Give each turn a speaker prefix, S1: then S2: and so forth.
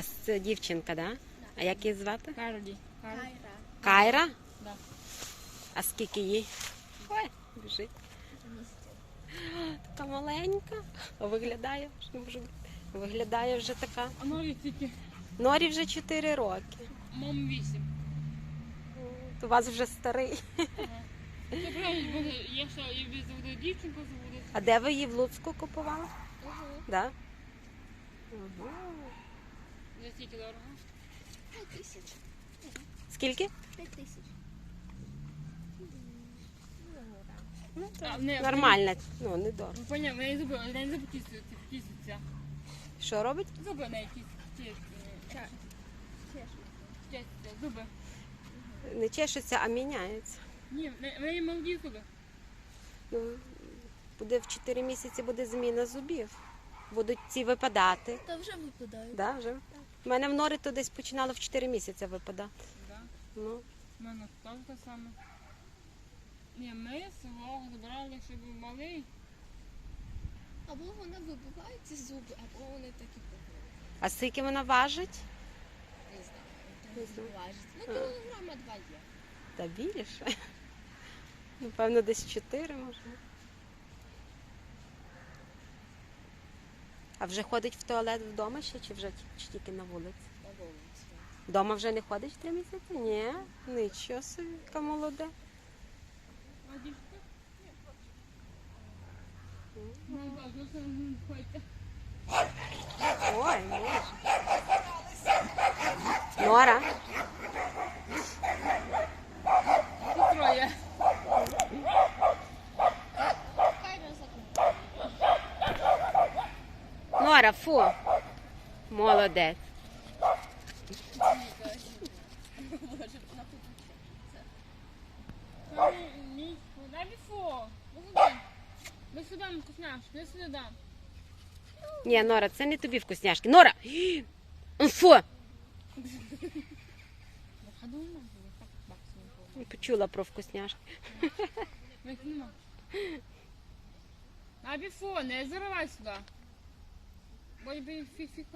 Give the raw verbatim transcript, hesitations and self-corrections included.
S1: вас це дівчинка, да? А як її звати?
S2: Карлі.
S3: Кайра.
S1: Кайра?
S2: Да.
S1: А скільки їй? Ой, біжить. Така маленька. А виглядає, що не може бути. Виглядає вже така.
S2: А Норі тільки
S1: Норі вже чотири роки.
S2: мам вісім.
S1: У вас вже старий.
S2: Це правильно буде, я ще і заведу дівчинку заведу.
S1: А де ви її в Луцьку купували?
S3: Угу.
S1: Да? Угу.
S2: За стільки дорого.
S3: П'ять тисяч.
S1: Скільки?
S3: П'ять тисяч.
S1: Ну,
S2: А, не,
S1: нормально, ну, не дорого.
S2: Ну, понятно, я не зуби, я не зуби кисаються, кисаються.
S1: Що робить?
S2: Зуби не якісь, чешуться, зуби.
S1: Не чешеться, а міняється.
S2: Ні, в неї молоді зуби.
S1: Ну, буде в чотири місяці буде зміна зубів. Будуть ці випадати.
S3: Та вже випадають.
S1: Да, вже? У мене в нори то десь починало в чотири місяці випадати.
S2: Да.
S1: Ну,
S2: У мене теж те саме. Ні, ми свого забрали, щоб був малий.
S3: Або вони вибивають ці зуби, або вони такі погають.
S1: а скільки вона важить?
S3: Не знаю,
S1: Не
S3: не
S1: знаю.
S3: важить. Ну, кілограма два є.
S1: Та більше. Напевно, десь чотири може. А вже ходить в туалет вдома ще, чи вже чи тільки на вулиці?
S3: На вулиці.
S1: Вдома вже не ходить в три місяці? Ні, нічого собі, яка молода.
S2: А дівчинка? Ну, так, ну, це не ходьте.
S1: Ой, боже. Нора,
S2: Тут троє.
S3: Кайра закрила.
S1: Нора, фу. Молодець.
S3: Боже, вона тут
S2: Ні, дай біфо. Ми сюди. Ми сюди, вкусняшки, ми сюди дам.
S1: Ні, Нора, це не тобі вкусняшки. Нора! Фу!
S2: Подумай, так максимум.
S1: Не почула про вкусняшки.
S2: Ми їх нема. А біфо, не заривай сюди. Бо я фі